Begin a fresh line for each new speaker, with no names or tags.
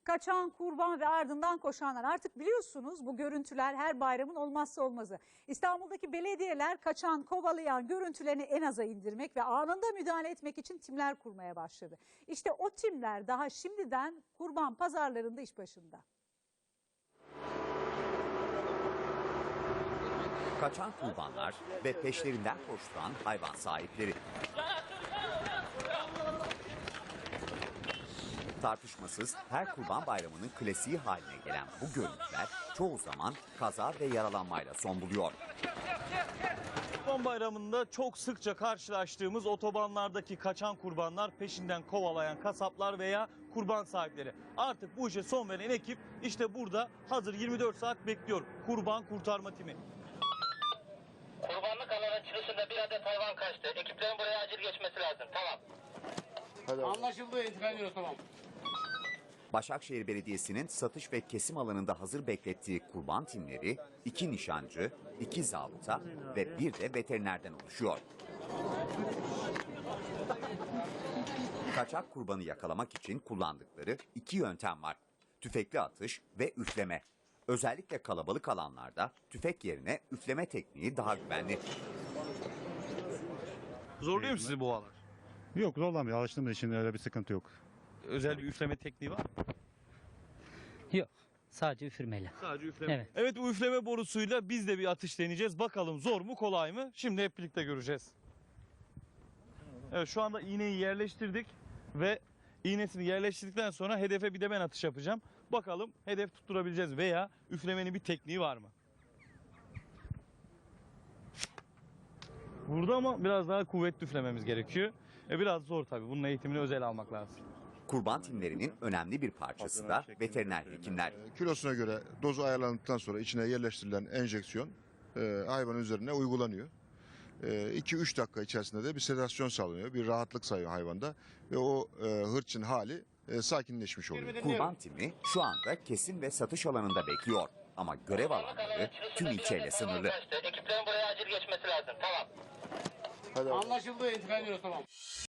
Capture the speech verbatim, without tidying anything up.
Kaçan, kurban ve ardından koşanlar. Artık biliyorsunuz bu görüntüler her bayramın olmazsa olmazı. İstanbul'daki belediyeler kaçan, kovalayan görüntülerini en aza indirmek ve anında müdahale etmek için timler kurmaya başladı. İşte o timler daha şimdiden kurban pazarlarında iş başında.
Kaçan kurbanlar ve peşlerinden koşturan hayvan sahipleri. Tartışmasız her Kurban Bayramı'nın klasiği haline gelen bu görüntüler çoğu zaman kaza ve yaralanmayla son buluyor.
Kurban Bayramı'nda çok sıkça karşılaştığımız otobanlardaki kaçan kurbanlar, peşinden kovalayan kasaplar veya kurban sahipleri. Artık bu işe son veren ekip işte burada hazır yirmi dört saat bekliyor. Kurban kurtarma timi.
Kurbanlık alanın çıkışında bir adet hayvan kaçtı. Ekiplerin buraya acil geçmesi lazım. Tamam.
Hadi
Anlaşıldı. İntikal ediyoruz. Tamam.
Başakşehir Belediyesi'nin satış ve kesim alanında hazır beklettiği kurban timleri iki nişancı, iki zabıta ve bir de veterinerden oluşuyor. Kaçak kurbanı yakalamak için kullandıkları iki yöntem var. Tüfekli atış ve üfleme. Özellikle kalabalık alanlarda tüfek yerine üfleme tekniği daha güvenli.
Zorluyor mu sizi bu alan?
Yok, zorlamıyor. Alıştığımız için öyle bir sıkıntı yok.
Özel bir üfleme tekniği var mı?
Yok. Sadece üfürmeyle.
Sadece üfleme.
Evet.
Evet, bu üfleme borusuyla biz de bir atış deneyeceğiz. Bakalım zor mu kolay mı? Şimdi hep birlikte göreceğiz. Evet, şu anda iğneyi yerleştirdik ve iğnesini yerleştirdikten sonra hedefe bir de ben atış yapacağım. Bakalım hedef tutturabileceğiz veya üflemenin bir tekniği var mı? Burada ama biraz daha kuvvetli üflememiz gerekiyor. E biraz zor tabii. Bunun eğitimini özel almak lazım.
Kurban timlerinin önemli bir parçası da veteriner hekimler.
Kilosuna göre dozu ayarlandıktan sonra içine yerleştirilen enjeksiyon e, hayvanın üzerine uygulanıyor. iki üç dakika içerisinde de bir sedasyon sağlanıyor, bir rahatlık sağlıyor hayvanda ve o e, hırçın hali e, sakinleşmiş oluyor.
Kurban timi şu anda kesim ve satış alanında bekliyor. Ama görev alanları tüm ilçeyle sınırlı.
Ekiplerin buraya acil geçmesi lazım. Tamam.
Hadi.
Anlaşıldı. İntikal ediyoruz. Tamam.